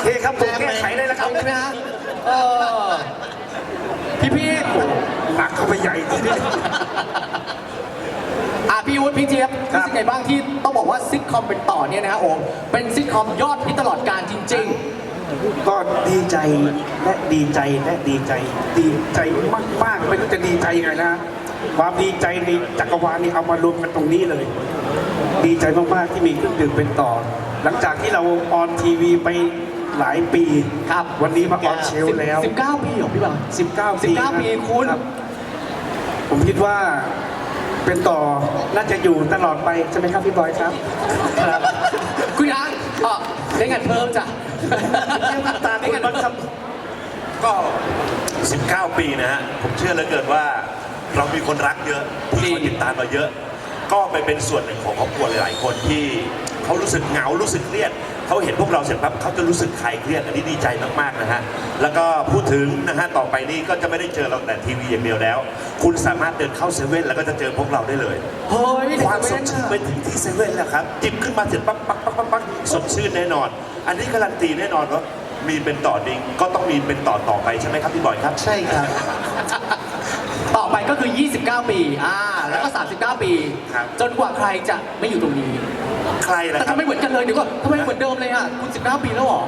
เคครับผมแก้ไขเลยนะครับใช่ไหมฮะพี่หนักเข้าไปใหญ่ทีนี้พี่วุฒิพี่เจี๊ยบครัรู้บสึกไงบ้างที่ต้องบอกว่าซิทคอมเป็นต่อเนี่ยนะฮะโอ้เป็นซิทคอมยอดฮิตตลอดกาลจริงก็ดีใจและดีใจและดีใจดีใจมากๆไม่รู้จะดีใจยังไงนะความดีใจในจักรวาลนี่เอามารวมกันตรงนี้เลย ดีใจมากๆที่มีเครื่องดื่มเป็นต่อ หลังจากที่เราออนทีวีไปหลายปีครับวันนี้มาออนเชลๆแล้ว 19 ปีเหรอพี่บอล 19 ปี 19 ปีคุณรับผมคิดว่าเป็นต่อน่าจะอยู่ตลอดไปใช่ไหมครับพี่บอยครับครับคุณยังได้เงินเพิ่มจ้ะเยี่ยมตาคุณบอลครับก็ 19 ปีนะฮะ ผมเชื่อเหลือเกินว่าเรามีคนรักเยอะที่คอยติดตามเราเยอะ ก็ไปเป็นส่วนหนึ่งของครอบครัวหลายๆคนที่เขารู้สึกเหงา รู้สึกเครียด เขาเห็นพวกเราเสร็จปั๊บเขาจะรู้สึกคลายเครียด อันนี้ดีใจมากๆนะฮะ แล้วก็พูดถึงนะฮะ ต่อไปนี้ก็จะไม่ได้เจอเราแต่ทีวีอย่างเดียวแล้ว คุณสามารถเดินเข้าเซเว่นแล้วก็จะเจอพวกเราได้เลยเฮ้ยความสดชื่นไปถึงที่เซเว่นแล้วครับ จิบขึ้นมาเสร็จปั๊บปั๊บปั๊บปั๊บปั๊บสดชื่นแน่นอน อันนี้การันตีแน่นอนว่ามีเป็นต่อดิงก็ต้องมีเป็นต่อไปใช่ไหมครับพี่บอยครับใช่ครับต่อไปก็คือ 29 ปีแล้วก็ 39 ปีครับจนกว่าใครจะไม่อยู่ตรงนี้ใครล่ะแต่ครัทำบไมเหมือนกันเลยเดี๋ยวก่อนทำไมเหมือนเดิมเลยอ่ะคุณ 19 ปีแล้วเหรอ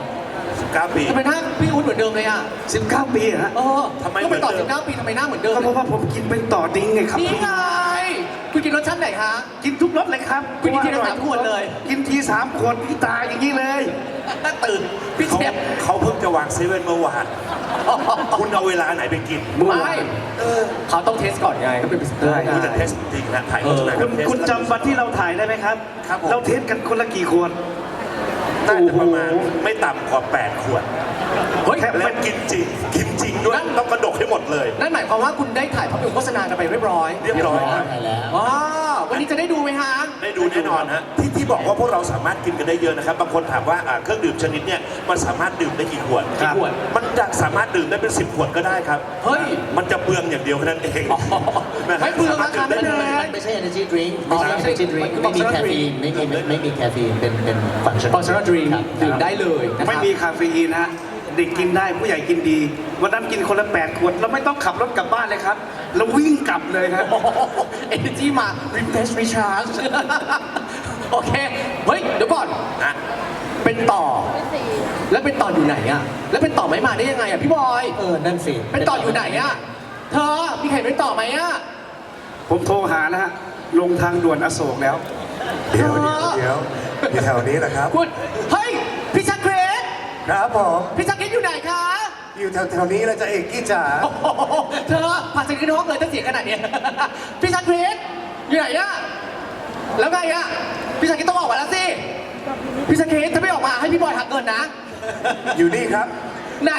19 ปีทำไมหน้าพี่อุ้นเหมือนเดิมเลยอ่ะ 19 ปีฮะทำไมก็ไปต่อเหมือนเดิม 19 ปีทำไมหน้าเหมือนเดิมก็เพราะว่าผมกินเป็นต่อดิ้งไงครับนี่ไงคุณกินรสชาติไหนคะกินทุกรสเลยครับคุณกินทีละ3 ขวดเลยกินที3 ขวดพี่ตายอย่างนี้เลยตื่นพี่เขาเจ็บเขาเพิ่งจะวางเซเว่นเมื่อวาน คุณเอาเวลาไหนไปกินไม่เขาต้องเทสก่อนไงเขาเป็นพรีเซนเตอร์คุณจะเทสจริงนะถ่ายโฆษณาคุณจำวันที่เราถ่ายได้ไหมครับครับผมเราเทสกันคนละกี่ขวดน่าจะประมาณไม่ต่ำกว่า 8 ขวดเฮ้ยแล้วกินจริง กินจริงด้วย ต้องกระดกให้หมดเลยนั่นหมายความว่าคุณได้ถ่ายภาพยนตร์โฆษณากันไปเรียบร้อยเรียบร้อยครับว้าววันนี้จะได้ดูไหมฮะได้ดูแน่นอนฮะที่บอกว่าพวกเราสามารถกินกันได้เยอะนะครับ บางคนถามว่าเครื่องดื่มชนิดเนี่ยมันสามารถดื่มได้กี่ขวดกี่ขวดมันจะสามารถดื่มได้เป็น 10 ขวดก็ได้ครับเฮ้ยมันจะเปลืองอย่างเดียวแค่นั้นเองไม่เปลืองราคาไม่แพงไม่ใช่ energy drink อ๋ไม่อใช่ energy drink มันไม่มี functional แคฟฟีน ไม่มีแคฟฟีนเป็นฟังชั่น functional drink ดื่มได้เลยนะครับไม่มีคาเฟอีนฮะเด็กกินได้ผู้ใหญ่กินดี วันนั้นกินคนละ8 ขวดเราไม่ต้องขับรถกลับบ้านเลยครับเราวิ่งกลับเลยครับเอเนจีมา refresh recharge โอเค เฮ้ย เดี๋ยวก่อนนะเป็นต่อ แล้วเป็นต่ออยู่ไหนอะแล้วเป็นต่อไม่มาได้ยังไงอะพี่บอยนั่นสิเป็นต่ออยู่ไหนอะเธอมีใครเป็นต่อไหมอะผมโทรหานะฮะลงทางด่วนอโศกแล้วเดี๋ยวอยู่แถวนี้แหละครับคุณเฮ้ย พี่ชักเครสครับผมพี่ชักเครสอยู่ไหนคะอยู่แถวนี้แล้วจะเอกกี้จ๋าโอ้โหเธอผ่านจากที่ห้องเลยถ้าเสียงขนาดเนี้ย พี่ชักเครสอยู่ไหนอะแล้วไงอะพี่ชักเครสต้องออกมาแล้วสิพี่ชักเครสถ้าไม่ออกมาให้พี่บอยหักเงินนะอยู่นี่ครับไหน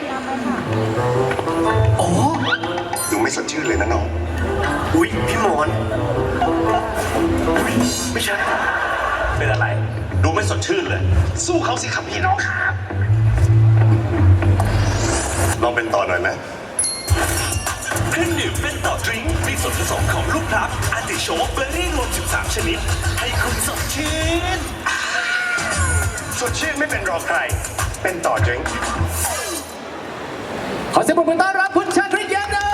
อ๋อดูไม่สดชื่นเลยนะน้องอุ๊ยพี่หมอนอุ๊ยไม่ใช่ เป็นอะไร ดูไม่สดชื่นเลยสู้เขาสิครับพี่น้องครับลองเป็นต่อหน่อยไหมเครื่องดื่มเป็นต่อดริงก์มีส่วนผสมของลูกพลับอาร์ติโชกเบอร์รี่รวม 13 ชนิด ให้คุณสดชื่นสดชื่นไม่เป็นรอใคร เป็นต่อดริงก์ขอเสียงปรบมือต้อนรับคุณชาคริตแย้มดำ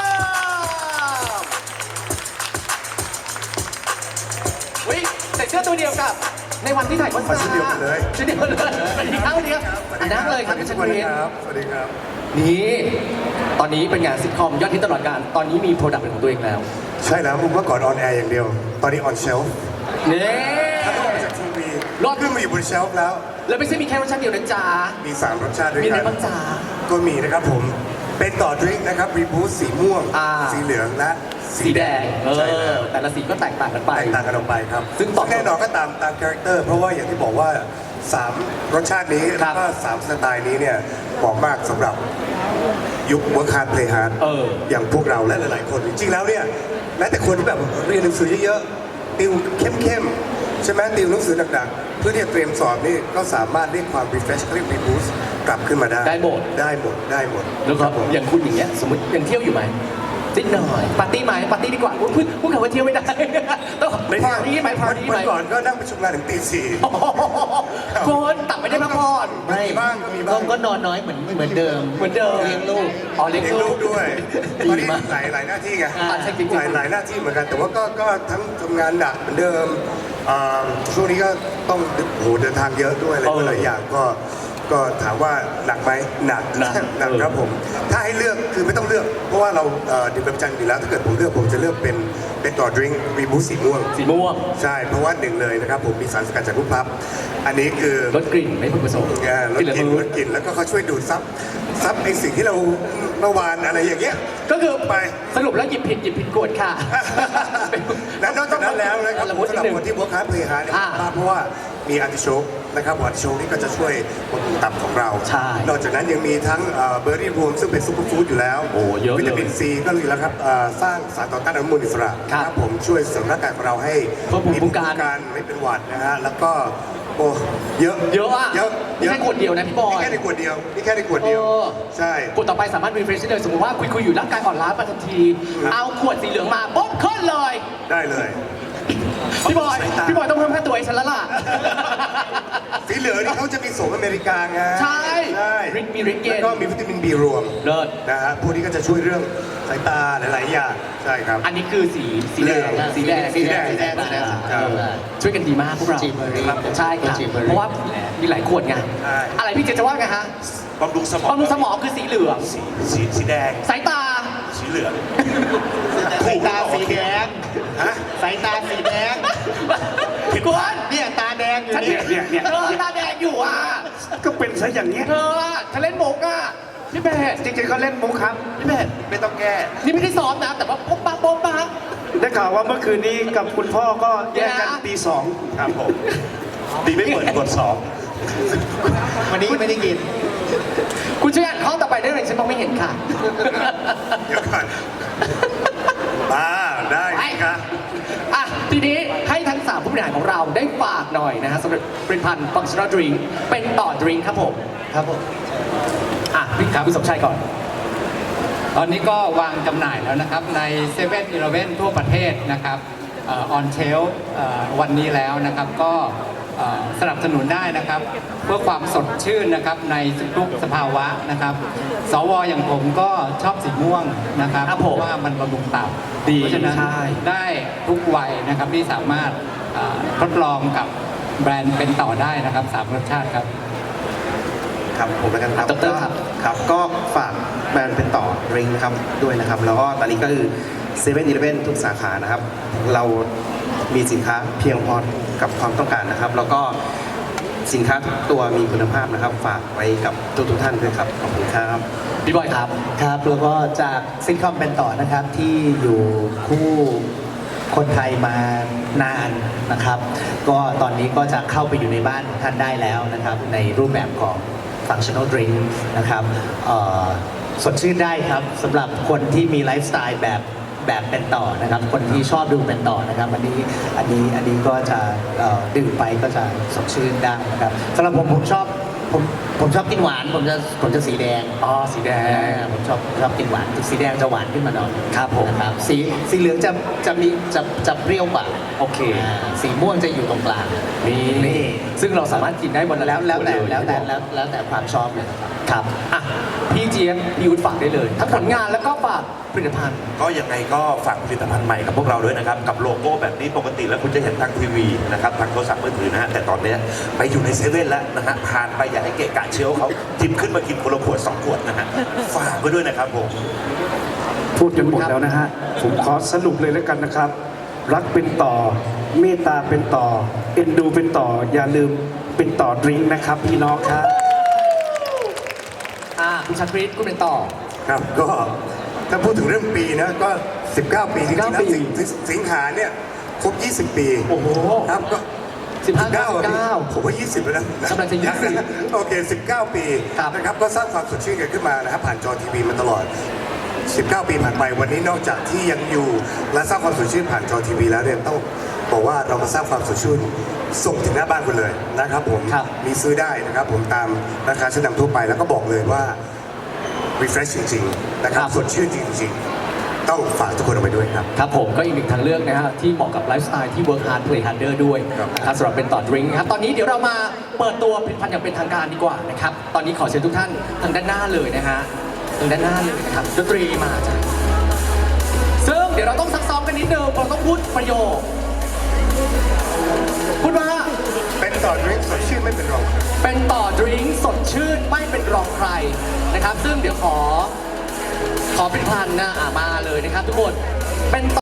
วิใส่เสื้อตัวเดียวกับในวันที่ถ่ายโฆษณาชุดเดียวกันเลยชุดเดียวกันเลยสวัสดีครับสวัสดีครับนั่งเลยครับคุณชาคริตสวัสดีครับนี่ตอนนี้เป็นงานซิทคอมยอดฮิตตลอดกาลตอนนี้มีโปรดักต์เป็นของตัวเองแล้วใช่แล้วผมว่าก่อนออนแอร์อย่างเดียว ตอนนี้ออนเชลฟ์นี่ถ้าลงมาจากทีวีรอดขึ้นมาอยู่บนเชลฟ์แล้วแล้วไม่ใช่มีแค่รสชาติเดียวนะจ๊ะมี 3 รสชาติด้วยมีอะกัไรนบ้างจ๊ะก็มีนะครับผม เป็นต่อดริงก์นะครับรีบูสสีม่วง สีเหลืองและสีแดงใช่แล้วแต่ละสีก็แตกต่างกันไปแตกต่างกันออกไปครับซึ่งตอบโจทย์แน่นอนก็ตามคาแรคเตอร์ เพราะว่าอย่างที่บอกว่า 3 รสชาตินี้ครัแล้บวก็3 สไตล์นี้เนี่ยเหมาะมากสำหรับยุค work hard play hard อย่างพวกเราและหลายๆคน จริงๆแล้วเนี่ยแม้แต่คนที่แบบเรียนหนังสือเยอะๆติวเข้มๆใช่ไหมติวหนังสือหนักๆเพื่อที่จะเตรียมสอบนี่ก็สามารถเรียกความ refresh เรียก reboost กลับขึ้นมาได้ได้หมดได้หมดได้หมดแล้วก็ครับผมอย่างคุณอย่างเงี้ยสมมติยังเที่ยวอยู่ไหมนิดหน่อยปาร์ตี้ไหมปาร์ตี้ดีกว่าพูดคำว่าเที่ยวไม่ได้ต้องพาร์ตี้ไหมพาร์ตี้ไหมวันก่อนก็นั่งประชุมงานถึงตี 4 คนตักไม่ได้พักผ่อนไม่มีบ้างมีบ้างก็นอนน้อยเหมือนเดิมเหมือนเดิมเลี้ยงลูกอ๋อเลี้ยงเลี้ยงลูลูกกด้วยดีตอนนี้มากหลายหน้าที่ไงใช่จริงๆหลายหน้าที่เหมือนกัน แต่ว่าก็ทั้งทำงานหนักเหมือนเดิมช่วงนี้ก็ต้องเดินทางเยอะด้วยอะไรหลายอย่างก็ถามว่าหนักไหมหนักครับผม ถ้าให้เลือกคือไม่ต้องเลือก เพราะว่าเราดื่มประจำอยู่แล้ว ถ้าเกิดผมเลือกผมจะเลือกเป็นต่อดริงก์รีบูสสีม่วงสีม่วงใช่ เพราะว่าหนึ่งเลยนะครับผมมีสารสกัดจากลูกพลับ อันนี้คือลดกลิ่นไม่พึงประสงค์ลดกลิ่นแล้วก็เขาช่วยดูดซับไอสิ่งที่เราเมื่อวานอะไรอย่างเงี้ยก็คือไปสรุปแล้วหยิบผิดกฎค่ะและนอกจากนั้นแล้วนะครับละมุดสำหรับนิดนึงคนที่บวกค้าเพลย์ฮาร์ดเนี่ยอ่าเพราะว่ามีอาร์ติโชกนะครับอาร์ติโชกนี่ก็จะช่วยบำรุงตับของเราใช่นอกจากนั้นยังมีทั้งเบอร์รี่รวมซึ่งเป็นซุปเปอร์ฟู้ดอยู่แล้วโอ้เยอะเลยวิตามินซีก็มีแล้วครับสร้างสารต่อต้านอนุมูลอิสระครับผมช่วยเสริมร่างกายของเราให้เพิ่มภูมิคุ้มกันไม่เป็นหวัดนะฮะแล้วก็โอ้เยอะเยอะอะเยอะไม่ใช่ขวดเดียวนะพี่บอยนี่แค่ในขวดเดียวนี่แค่ในขวดเดียวเออใช่กดต่อไปสามารถรีเฟรชได้เลยสมมติว่าคุยอยู่ร่างกายอ่อนล้ามาทันที เอาขวดสีเหลืองมาปุ๊บขึ้นเลยได้เลยพี่บอยต้องเพิ่มค่าตัวให้ฉันแล้วล่ะสีเหลืองนี่เขาจะมีโสมอเมริกาไงใช่ใช่มีฤทธิ์เย็นแล้วก็มีวิตามินบีรวมเลิศนะฮะพวกนี้ก็จะช่วยเรื่องสายตาหลายๆอย่างใช่ครับอันนี้คือสีเหลืองสีแดงสีแดงเออช่วยกันดีมากพวกเราจีเบอรี่ใช่ครับจีเบอรี่เพราะว่ามีหลายขวดไงใช่อะไรพี่เจจะว่าไงฮะบำรุงสมองบำรุงสมองคือสีเหลืองสีแดงสายตาสีเหลืองสายตาสีแดงฮะสายตาสีแดงกวนเนี่ยตาแดงอยู่ฉันนี่เนี่ยเธอตาแดงอยู่อ่ะก็เป็นซะอย่างเงี้ยเธออะฉันเล่นมุกอ่ะพี่เบสจริงๆเขาเล่นมุกครับพี่เบสไม่ต้องแก้นี่ไม่ได้ซ้อมนะ แต่ว่าป๊บปะได้ข่าวว่าเมื่อคืนนี้กับคุณพ่อก็แยกกันตี 2 ครับผม ดีไม่เปิดกดสองวันนี้ไม่ได้กินคุณช่วยอ่านข้อต่อไปได้ไหมฉันมองไม่เห็นค่ะเดี๋ยวก่อนมาได้ครับอ่ะทีนี้ให้ทั้ง3ผู้บริหารของเราได้ฝากหน่อยนะฮะสำหรับผลิตภัณฑ์ Functional Drink เป็นต่อดริงครับผมครับผมอ่ะพี่ครับพี่สมชายก่อนตอนนี้ก็วางจำหน่ายแล้วนะครับใน7 e เ e ่ e อทั่วประเทศนะครับออนเชลวันนี้แล้วนะครับก็สนับสนุนได้นะครับ เพื่อความสดชื่นนะครับในทุกสภาวะนะครับ สวอย่างผมก็ชอบสีม่วงนะครับครับเพผมราะว่ามันบำรุงตับดีเพราะฉะนั้นใช่ได้ทุกวัยนะครับที่สามารถทดลองกับแบรนด์เป็นต่อได้นะครับ3รสชาติครับครับผมแล้วกันครับดร. ครับครับก็ฝากแบรนด์เป็นต่อดริงนะครับด้วยนะครับ แล้วก็ตอนนี้ก็คือเซเว่นอีเลฟเว่นทุกสาขานะครับ เรามีสินค้าเพียงพอกับความต้องการนะครับ แล้วก็สินค้าทุกตัวมีคุณภาพนะครับ ฝากไว้กับทุกท่านด้วยครับขอบคุณครับพี่บอยครับครับแล้วก็จากซิทคอมเป็นต่อนะครับที่อยู่คู่คนไทยมานานนะครับ ก็ตอนนี้ก็จะเข้าไปอยู่ในบ้านท่านได้แล้วนะครับ ในรูปแบบของ functional drink นะครับสดชื่นได้ครับสำหรับคนที่มีไลฟ์สไตล์แบบเป็นต่อนะครับ คนที่ชอบดูเป็นต่อนะครับอันนี้ก็จะดื่มไปก็จะสดชื่นได้นะครับสำหรับผมชอบกินหวานผมจะสีแดงอ๋อ สีแดงผมชอบกินหวานสีแดงจะหวานขึ้นมาหน่อยครับผมนะครับสีเหลืองจะเปรี้ยวกว่าโอเคสีม่วงจะอยู่ตรงกลางนี่ซึ่งเราสามารถกินได้วันละแล้วแต่ขดเยแล้วแต่ความชอบเลยครับครับอ่ะพี่เจี๊ยบพี่ยุทธฝากได้เลย ทั้งผลงานแล้วก็ฝากผลิตภัณฑ์ก็ยังไงก็ฝากผลิตภัณฑ์ใหม่กับพวกเราด้วยนะครับ กับโลโก้แบบนี้ปกติแล้วคุณจะเห็นทางทีวีนะครับทางโทรศัพท์มือถือนะฮะแต่ตอนเนี้ยไปอยู่ในเซเว่นแล้วนะฮะผ่านไปอย่าให้เกะกะเชลฟ์เขาจิบขึ้นมากินคนละขวด2 ขวดนะฮะฝากไว้ด้วยนะครับผมพูดจนหมดแล้วนะฮะ ผมขอสรุปเลยแล้วกันนะครับ รักเป็นต่อ เมตตาเป็นต่อ เอ็นดูเป็นต่อ อย่าลืมเป็นต่อดริงก์นะครับพี่น้องครับคุณชาคริสคุณเป็นต่อครับก็ถ้าพูดถึงเรื่องปีนะก็ 19 ปีจริงๆนะปีสิงหาเนี่ยครบ 20 ปีโอ้โหครับก็ 19 ผมว่า 20แล้วนะกำลังจะ20 โอเค 19 ปีครับนะครับก็สร้างความสดชื่นกันขึ้นมานะครับผ่านจอทีวีมาตลอด 19 ปีผ่านไปวันนี้นอกจากที่ยังอยู่และสร้างความสดชื่นผ่านจอทีวีแล้วเนี่ยต้องบอกว่าเรามาสร้างความสดชื่นส่งถึงหน้าบ้านคุณเลยนะครับผมครับมีซื้อได้นะครับผมตามราคาชั้นนำทั่วไปแล้วก็บอกเลยว่า refresh จริงๆนะครับสดชื่นจริงๆต้องฝากทุกคนเอาไปด้วยครับครับผมก็อีกหนึ่งทางเลือกนะฮะที่เหมาะกับไลฟ์สไตล์ที่ work hard play harder ด้วยครับนะครับสำหรับเป็นต่อดริงครับตอนนี้เดี๋ยวเรามาเปิดตัวผลิตภัณฑ์อย่างเป็นทางการดีกว่านะครับตอนนี้ขอเชิญทุกท่านทางด้านหน้าเลยนะฮะทางด้านหน้าเลยนะครับดนตรีมาจ้ะซึ่งเดี๋ยวเราต้องซักซ้อมกันนิดนึงเราต้องพูดประโยคพูดว่าเป็นต่อดริงก์สดชื่นไม่เป็นรองเป็นต่อดริงก์สดชื่นไม่เป็นรองใครนะครับซึ่งเดี๋ยวขอผลิตภัณฑ์นะมาเลยนะครับทุกคนเป็น